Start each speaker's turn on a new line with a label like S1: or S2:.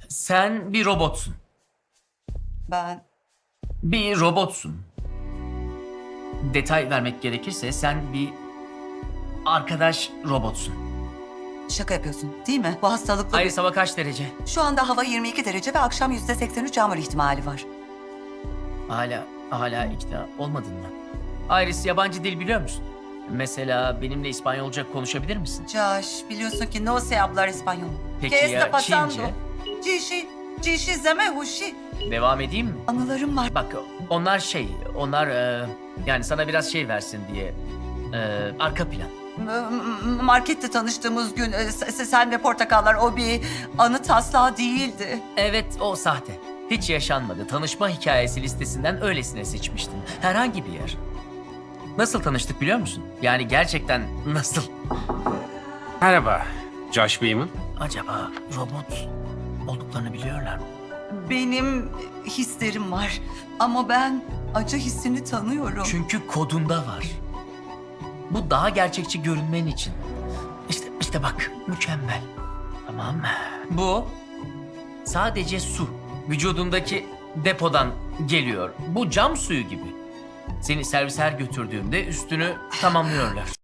S1: Sen bir robotsun.
S2: Ben
S1: Bir robotsun. Detay vermek gerekirse sen bir arkadaş robotsun.
S2: şaka yapıyorsun değil mi? Bu hastalıklı...
S1: Iris, hava kaç derece?
S2: Şu anda hava 22 derece ve akşam %83 yağmur ihtimali var.
S1: Hala ikna olmadın mı? Iris, yabancı dil biliyor musun? Mesela benimle İspanyolca konuşabilir misin?
S2: Josh, biliyorsun ki no se hablar español.
S1: Peki
S2: ¿Qué
S1: ya
S2: está pasando?
S1: Çince?
S2: Cishi zeme huşi.
S1: Devam edeyim mi?
S2: Anılarım var.
S1: Bak onlar yani sana biraz şey versin diye arka plan.
S2: Markette tanıştığımız gün sen ve portakallar o bir anı taslağı değildi.
S1: Evet, o sahte. Hiç yaşanmadı. Tanışma hikayesi listesinden öylesine seçmiştim. Herhangi bir yer. Nasıl tanıştık biliyor musun? Yani gerçekten nasıl?
S3: Merhaba, Josh Beeman.
S1: Acaba robot olduklarını biliyorlar mı?
S2: Benim hislerim var ama ben acı hissini tanıyorum.
S1: Çünkü kodunda var. Bu daha gerçekçi görünmen için. İşte bak, mükemmel. Tamam mı? Bu sadece su. Vücudundaki depodan geliyor. Bu cam suyu gibi. Seni servise her götürdüğümde üstünü tamamlıyorlar.